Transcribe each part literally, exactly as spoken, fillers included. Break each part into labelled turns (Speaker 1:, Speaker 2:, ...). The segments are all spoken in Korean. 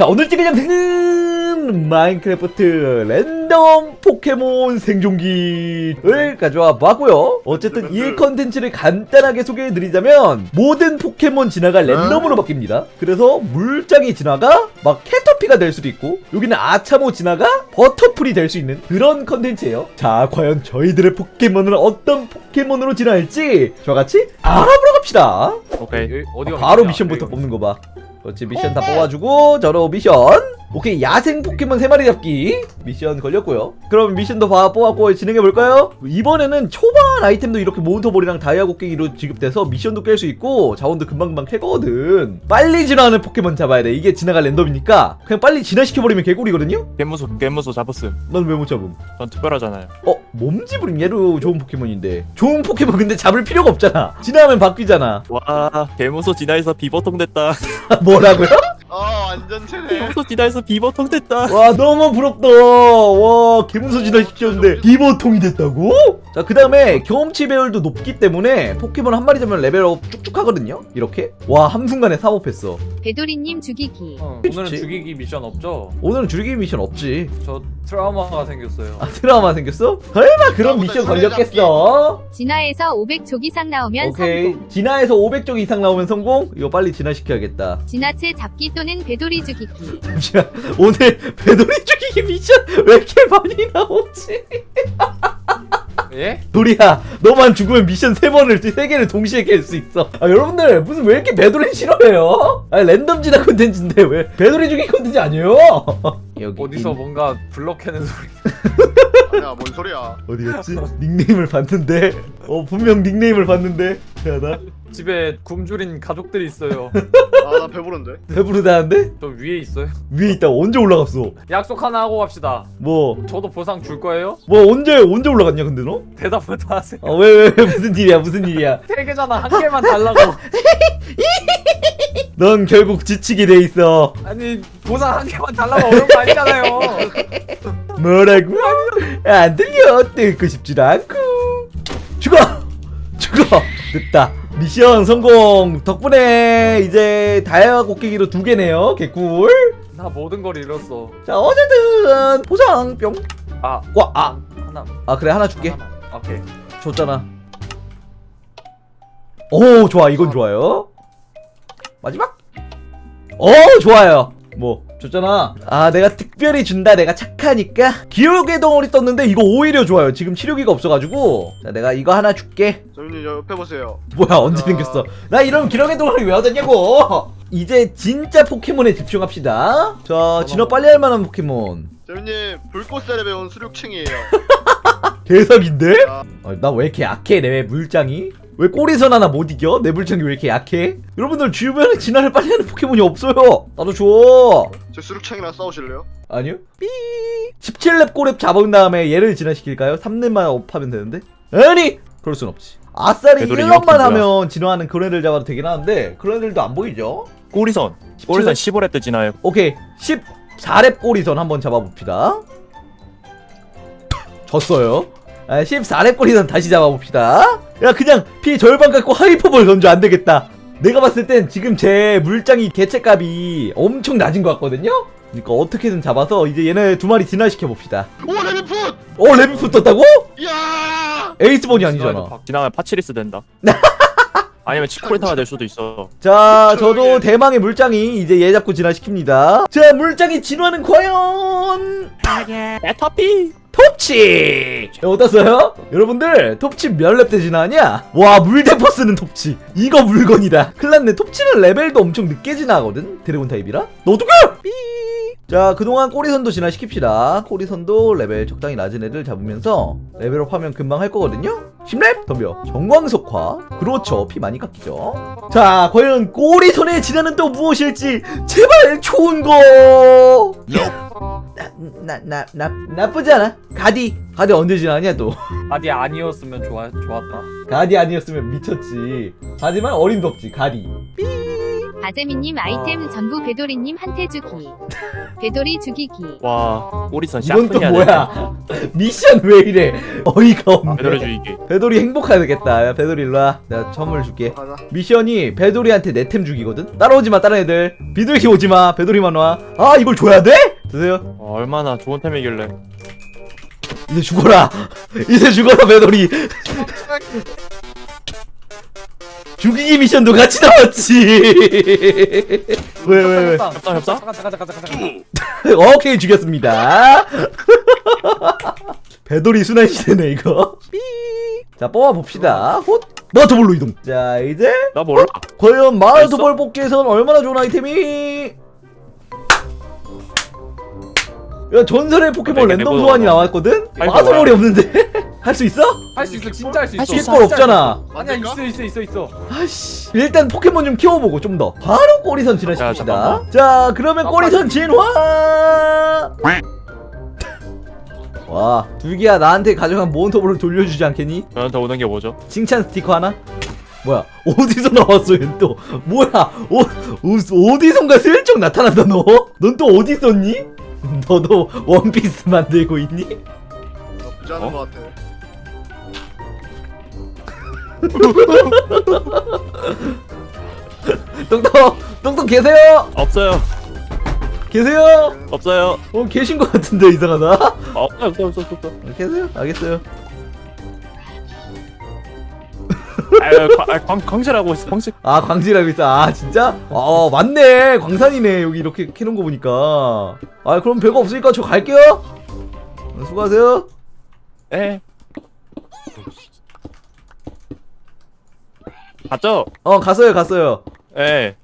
Speaker 1: 자, 오늘 찍을 영상은 마인크래프트 랜덤 포켓몬 생존기를 가져와 봤고요. 어쨌든 이 컨텐츠를 간단하게 소개해드리자면 모든 포켓몬 진화가 랜덤으로 바뀝니다. 그래서 물장이 진화가 막 캐터피가 될 수도 있고, 여기는 아차모 진화가 버터풀이 될 수 있는 그런 컨텐츠예요. 자, 과연 저희들의 포켓몬은 어떤 포켓몬으로 진화할지 저같이 알아보러 갑시다.
Speaker 2: 오케이.
Speaker 3: 어디가
Speaker 1: 아, 바로 미션부터 뽑는 거 봐. 그렇지, 미션 다 뽑아주고 저로 미션. 오케이, 야생 포켓몬 세 마리 잡기 미션 걸렸고요. 그럼 미션도 봐 뽑았고 진행해볼까요? 이번에는 초반 아이템도 이렇게 몬스터볼이랑 다이아 곡괭이로 지급돼서 미션도 깰 수 있고 자원도 금방금방 캐거든. 빨리 진화하는 포켓몬 잡아야 돼. 이게 진화가 랜덤이니까 그냥 빨리 진화시켜버리면 개꿀이거든요?
Speaker 2: 겜무소 겜무소 잡았음.
Speaker 1: 넌 왜 못 잡음?
Speaker 2: 전 특별하잖아요.
Speaker 1: 어? 몸집은 얘도 좋은 포켓몬인데. 좋은 포켓몬 근데 잡을 필요가 없잖아. 진화하면 바뀌잖아.
Speaker 2: 와, 겜무소 진화해서 비버통 됐다.
Speaker 1: 뭐라고요?
Speaker 4: 아 완전 체네.
Speaker 2: 겜무소 진화해서 비버통 됐다.
Speaker 1: 와, 너무 부럽다. 와, 개문서 진화 시켰는데 비버통이 됐다고? 자, 그 다음에 경험치 배율도 높기 때문에 포켓몬 한 마리 잡으면 레벨업 쭉쭉 하거든요? 이렇게? 와, 한순간에 삼업했어.
Speaker 5: 배도리님 죽이기.
Speaker 3: 어,
Speaker 1: 그치?
Speaker 3: 오늘은 죽이기 미션 없죠?
Speaker 1: 오늘은 줄이기 미션 없지.
Speaker 3: 저 트라우마가 생겼어요.
Speaker 1: 아, 트라우마 생겼어? 설마 그런 미션 걸렸겠어?
Speaker 5: 진화에서 오백 족 이상 나오면
Speaker 1: 오케이.
Speaker 5: 성공.
Speaker 1: 진화에서 오백 쪽 이상 나오면 성공? 이거 빨리 진화시켜야겠다.
Speaker 5: 진화체 잡기 또는 배도리 죽이기.
Speaker 1: 잠시만, 오늘 배돌이 죽이기 미션 왜 이렇게 많이 나오지?
Speaker 3: 예?
Speaker 1: 도리야, 너만 죽으면 미션 세 번을, 세 개를 동시에 깰 수 있어. 아, 여러분들, 무슨 왜 이렇게 배돌이 싫어해요? 아, 랜덤 진화 콘텐츠인데 왜 배돌이 죽이기 콘텐츠 아니에요? 여기.
Speaker 3: 어디서
Speaker 1: 인-
Speaker 3: 뭔가 블럭해는 소리.
Speaker 4: 아니야 뭔 소리야.
Speaker 1: 어디였지? 닉네임을 봤는데, 어, 분명 닉네임을 봤는데, 야나
Speaker 3: 집에 굶주린 가족들이 있어요.
Speaker 4: 아 나 배부른데.
Speaker 1: 배부르다는데?
Speaker 3: 저 위에 있어요.
Speaker 1: 위에 있다. 언제 올라갔어?
Speaker 3: 약속 하나 하고 갑시다.
Speaker 1: 뭐,
Speaker 3: 저도 보상 줄 거예요?
Speaker 1: 뭐 언제 언제 올라갔냐 근데 너?
Speaker 3: 대답을 다 하세요.
Speaker 1: 아, 왜, 왜, 왜, 무슨 일이야, 무슨 일이야?
Speaker 3: 세 개잖아. 한 개만 달라고.
Speaker 1: 넌 결국 지치게 돼 있어.
Speaker 3: 아니 보상 한 개만 달라고 어려운 거 아니잖아요.
Speaker 1: 뭐라고? 안 들려. 듣고 싶지도 않고. 죽어! 죽어! 됐다. 미션 성공. 덕분에 이제 다이아 곡괭이로 두 개네요. 개꿀.
Speaker 3: 나 모든 걸 잃었어.
Speaker 1: 자, 어쨌든 보상 뿅.
Speaker 3: 아,
Speaker 1: 와, 아,
Speaker 3: 하나.
Speaker 1: 아 그래, 하나 줄게.
Speaker 3: 하나만. 오케이.
Speaker 1: 줬잖아. 오, 좋아. 이건 좋아요. 마지막. 오, 좋아요. 뭐 줬잖아. 아, 내가 특별히 준다. 내가 착하니까. 기록의 덩어리 떴는데 이거 오히려 좋아요. 지금 치료기가 없어가지고. 자, 내가 이거 하나 줄게.
Speaker 4: 저님 옆에 보세요.
Speaker 1: 뭐야, 언제
Speaker 4: 아.
Speaker 1: 생겼어? 나 이런 기록의 덩어리 왜 얻었냐고. 이제 진짜 포켓몬에 집중합시다. 자, 진화 빨리 할 만한 포켓몬.
Speaker 4: 저님 불꽃살에 배운 수륙층이에요.
Speaker 1: 개석인데?
Speaker 4: 아,
Speaker 1: 아, 나 왜 이렇게 약해? 내 물장이? 왜 꼬리선 하나 못 이겨? 내 물장이 왜 이렇게 약해? 여러분들 주변에 진화를 빨리 하는 포켓몬이 없어요. 나도 줘.
Speaker 4: 제 수륙층이랑 싸우실래요?
Speaker 1: 아니요. 삐. 십칠 렙 꼬랩 잡은 다음에 얘를 진화시킬까요? 삼 렙만 업하면 되는데? 아니! 그럴 순 없지. 아싸리
Speaker 2: 되돌이
Speaker 1: 일 렙만
Speaker 2: 이렇게
Speaker 1: 하면 진화하는 그런 애들 잡아도 되긴 하는데 그런 애들도 안 보이죠?
Speaker 2: 꼬리선. 꼬리선 십오 렙 때 진화해요.
Speaker 1: 오케이. 십사 렙 꼬리선 한번 잡아봅시다. 졌어요. 아, 십사 렙 꼬리선 다시 잡아봅시다. 야, 그냥 피 절반 갖고 하이퍼볼 던져. 안 되겠다. 내가 봤을 땐 지금 제 물장이 개체값이 엄청 낮은 것 같거든요? 그러니까 어떻게든 잡아서 이제 얘네 두 마리 진화시켜 봅시다.
Speaker 4: 오 레드풋!
Speaker 1: 어, 레비프 떴다고?
Speaker 4: 이야!
Speaker 1: 에이스본이 아니잖아.
Speaker 2: 진화하면 파치리스 된다. 아니면 치코리타가 될 수도 있어.
Speaker 1: 자, 저도 대망의 물장이 이제 얘 잡고 진화시킵니다. 자, 물장이 진화는 과연
Speaker 2: 에터피.
Speaker 1: 톱치! 어떠세요? 여러분들, 톱치 몇 렙 때 진화하냐? 와, 물대포 쓰는 톱치. 이거 물건이다. 큰일났네. 톱치는 레벨도 엄청 늦게 진화하거든? 드래곤 타입이라? 너 어떡해! 삐! 자, 그동안 꼬리선도 진화시킵시다. 꼬리선도 레벨 적당히 낮은 애들 잡으면서 레벨업 하면 금방 할 거거든요? 십 렙? 덤벼. 정광석화. 그렇죠. 피 많이 깎이죠. 자, 과연 꼬리선의 진화는 또 무엇일지 제발 좋은 거! 나, 나, 나, 나, 나쁘지 않아. 가디. 가디 언제 지나냐, 또.
Speaker 3: 아니 아니었으면 좋아 좋았다.
Speaker 1: 가디 아니었으면 미쳤지. 하지만 어림도 없지, 가디. 삐.
Speaker 5: 아재미님 아이템 전부 배도리님 한테 주기. 배도리 죽이기.
Speaker 2: 와 오리선
Speaker 1: 이건 또
Speaker 2: 샤프해야
Speaker 1: 뭐야? 미션 왜 이래? 어이가 없네.
Speaker 2: 배달해 주이게.
Speaker 1: 배돌이 행복하겠다. 야, 배돌이 일로 와. 내가 선물 줄게.
Speaker 4: 가자.
Speaker 1: 미션이 배돌이한테 내 템 주기거든? 따라오지 마, 다른 애들. 비둘기 오지 마. 배돌이만 와. 아, 이걸 줘야 돼? 드세요.
Speaker 2: 어, 얼마나 좋은 템이길래.
Speaker 1: 이제 죽어라. 이제 죽어라, 배돌이. 죽이기 미션도 같이 나왔지. 왜, 왜, 왜?
Speaker 2: 협상, 협상?
Speaker 3: 잠깐 잠깐 잠깐 잠깐 잠깐.
Speaker 1: 오케이, 죽였습니다. 배돌이 순환 시대네, 이거. 삐. 자, 뽑아봅시다. 헛. 마토볼로 이동. 자, 이제.
Speaker 2: 나 몰라.
Speaker 1: 과연 마토볼 뽑기에선 얼마나 좋은 아이템이? 야, 전설의 포켓몬
Speaker 2: 내게
Speaker 1: 랜덤
Speaker 2: 내보다
Speaker 1: 소환이
Speaker 2: 봐.
Speaker 1: 나왔거든?
Speaker 2: 아이고,
Speaker 1: 마토볼이 없는데? 할 수 있어?
Speaker 3: 할 수 있어 진짜 할 수 있어.
Speaker 2: 할수 있어.
Speaker 1: 킥볼 없잖아.
Speaker 3: 아니야 있어 있어 있어 있어.
Speaker 1: 아씨. 일단 포켓몬 좀 키워보고 좀 더. 바로 꼬리선 진화시킵시다.
Speaker 2: 잠깐만.
Speaker 1: 자, 그러면
Speaker 3: 아,
Speaker 1: 꼬리선
Speaker 3: 빨리.
Speaker 1: 진화! 와, 둘기야 나한테 가져간 모온토볼을 돌려주지 않겠니?
Speaker 2: 저한테 오는 게 뭐죠?
Speaker 1: 칭찬 스티커 하나? 뭐야, 어디서 나왔어 얘 또? 뭐야, 어, 어, 어디선가 슬쩍 나타난다 너? 넌 또 어디 있었니? 너도 원피스 만들고 있니?
Speaker 4: 나쁘지 않은
Speaker 2: 어?
Speaker 4: 것 같아.
Speaker 1: 똥똥, 똥똥 계세요?
Speaker 2: 없어요.
Speaker 1: 계세요?
Speaker 2: 없어요.
Speaker 1: 어, 계신 것 같은데 이상하다.
Speaker 2: 어, 없어요. 없어요. 없어요. 없어요.
Speaker 1: 어, 계세요? 알겠어요.
Speaker 2: 아유, 광- 아, 광, 광실하고 있어. 광실.
Speaker 1: 아, 광질하고 있어. 아, 진짜? 아, 맞네. 광산이네. 여기 이렇게 캐놓은 거 보니까. 아, 그럼 별거 없으니까 저 갈게요. 어, 수고하세요.
Speaker 2: 에. 갔죠?
Speaker 1: 어, 갔어요, 갔어요.
Speaker 2: 에.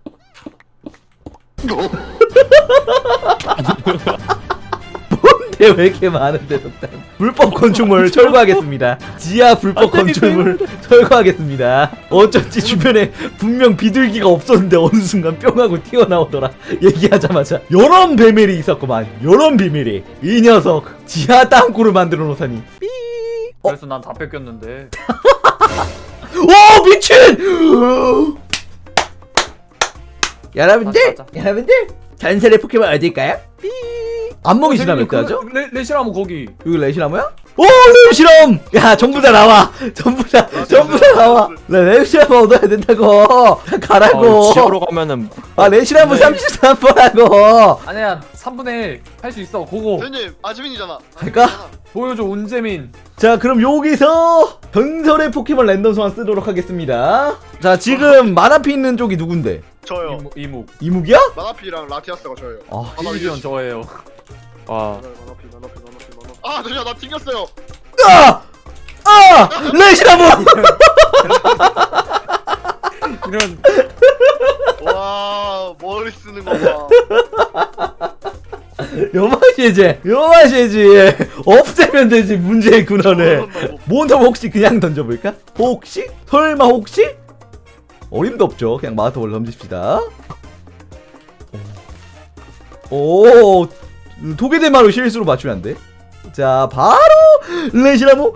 Speaker 1: 근데 왜 이렇게 많은데, 덕단. 불법 건축물 철거하겠습니다. 지하 불법 건축물 철거하겠습니다. 어쩐지 주변에 분명 비둘기가 없었는데 어느 순간 뿅 하고 튀어나오더라. 얘기하자마자. 요런 비밀이 있었구만. 요런 비밀이. 이 녀석. 지하 땅굴을 만들어 놓다니. 삐. 어?
Speaker 3: 그래서 난 다 뺏겼는데.
Speaker 1: 오, 미친! 여러분들,
Speaker 3: 맞아,
Speaker 1: 여러분들, 전설의 포켓몬 어딜까요? 삐. 안목이 지나면
Speaker 3: 그,
Speaker 1: 어떡하죠?
Speaker 3: 레 레시라모 거기.
Speaker 1: 여기 레시나무야? 오, 레시람! 야, 전부 다 나와! 전부 다, 전부 다 나와! 나 레시람 얻어야 된다고! 가라고!
Speaker 2: 어, 지하로 가면은
Speaker 1: 아, 레시나무
Speaker 3: 네.
Speaker 1: 삼십삼 번하고!
Speaker 3: 아니야 삼분의 일 할 수 있어. 고고.
Speaker 4: 선생님 아즈민이잖아.
Speaker 1: 갈까?
Speaker 3: 보여줘 운재민.
Speaker 1: 자, 그럼 여기서 전설의 포켓몬 랜덤 소환 쓰도록 하겠습니다. 자, 지금 마나피 있는 쪽이 누군데?
Speaker 4: 저요.
Speaker 3: 이묵 이묵.
Speaker 1: 이묵이야?
Speaker 4: 마나피랑 라티아스가 저예요.
Speaker 1: 아,
Speaker 3: 이리온 저예요.
Speaker 2: 와.
Speaker 4: 마나피 마나피 마나피 마나피. 아 잠시만 나 튕겼어요.
Speaker 1: 아! 아! 레시나무!
Speaker 3: 이런.
Speaker 4: 와 머리 쓰는 거 봐.
Speaker 1: 요 맛이지, 요 맛이지. 없애면 되지, 문제의 근원을. 몬스터 혹시 그냥 던져볼까? 혹시? 설마 혹시? 어림도 없죠. 그냥 마스터볼 던집시다. 오, 도개대마루 실수로 맞추면 안 돼. 자, 바로 레시나무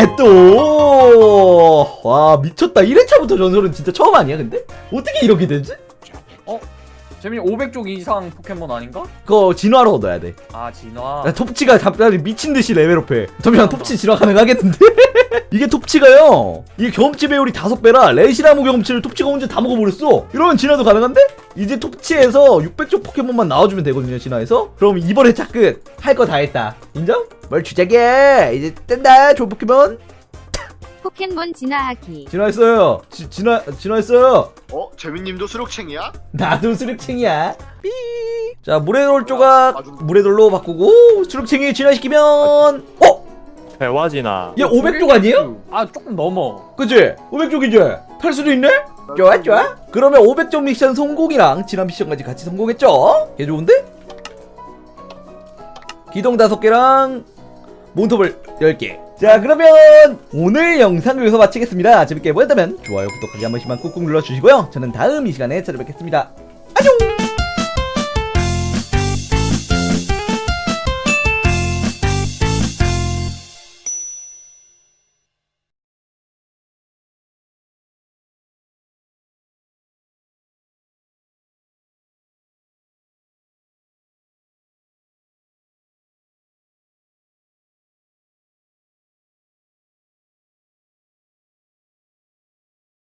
Speaker 1: 개또. 와, 미쳤다. 일 회차부터 전설은 진짜 처음 아니야, 근데? 어떻게 이렇게 되지?
Speaker 3: 재민이 오백 쪽 이상 포켓몬 아닌가?
Speaker 1: 그거 진화로 얻어야 돼.
Speaker 3: 아 진화.
Speaker 1: 야, 톱치가 갑자기 미친듯이 레벨업해. 잠시만, 톱치 진화 가능하겠는데? 이게 톱치가요, 이게 경험치 배율이 다섯 배라 레시나무 경험치를 톱치가 혼자 다 먹어버렸어. 이러면 진화도 가능한데? 이제 톱치에서 육백 쪽 포켓몬만 나와주면 되거든요, 진화에서. 그럼 이번 회차 끝. 할 거 다 했다. 인정? 뭘 주자게. 이제 뜬다, 좋은 포켓몬.
Speaker 5: 포켓몬 진화하기.
Speaker 1: 진화했어요. 지, 진화, 진화했어요.
Speaker 4: 어 재민님도 수륙챙이야?
Speaker 1: 나도 수륙챙이야. 삐. 자, 물에돌 조각 물에돌로 바꾸고 수륙챙이 진화시키면, 어?
Speaker 2: 대화지나.
Speaker 1: 얘 오백 쪽 아니에요?
Speaker 3: 아 조금 넘어.
Speaker 1: 그치? 오백 쪽이지? 탈 수도 있네? 좋아, 좋아. 그러면 오백 쪽 미션 성공이랑 진화 미션까지 같이 성공했죠? 개 좋은데? 기동 다섯 개랑 몬톱을 열 개. 자, 그러면 오늘 영상을 여기서 마치겠습니다. 재밌게 보셨다면 좋아요, 구독하기 한 번씩만 꾹꾹 눌러주시고요. 저는 다음 이 시간에 찾아뵙겠습니다. 안녕!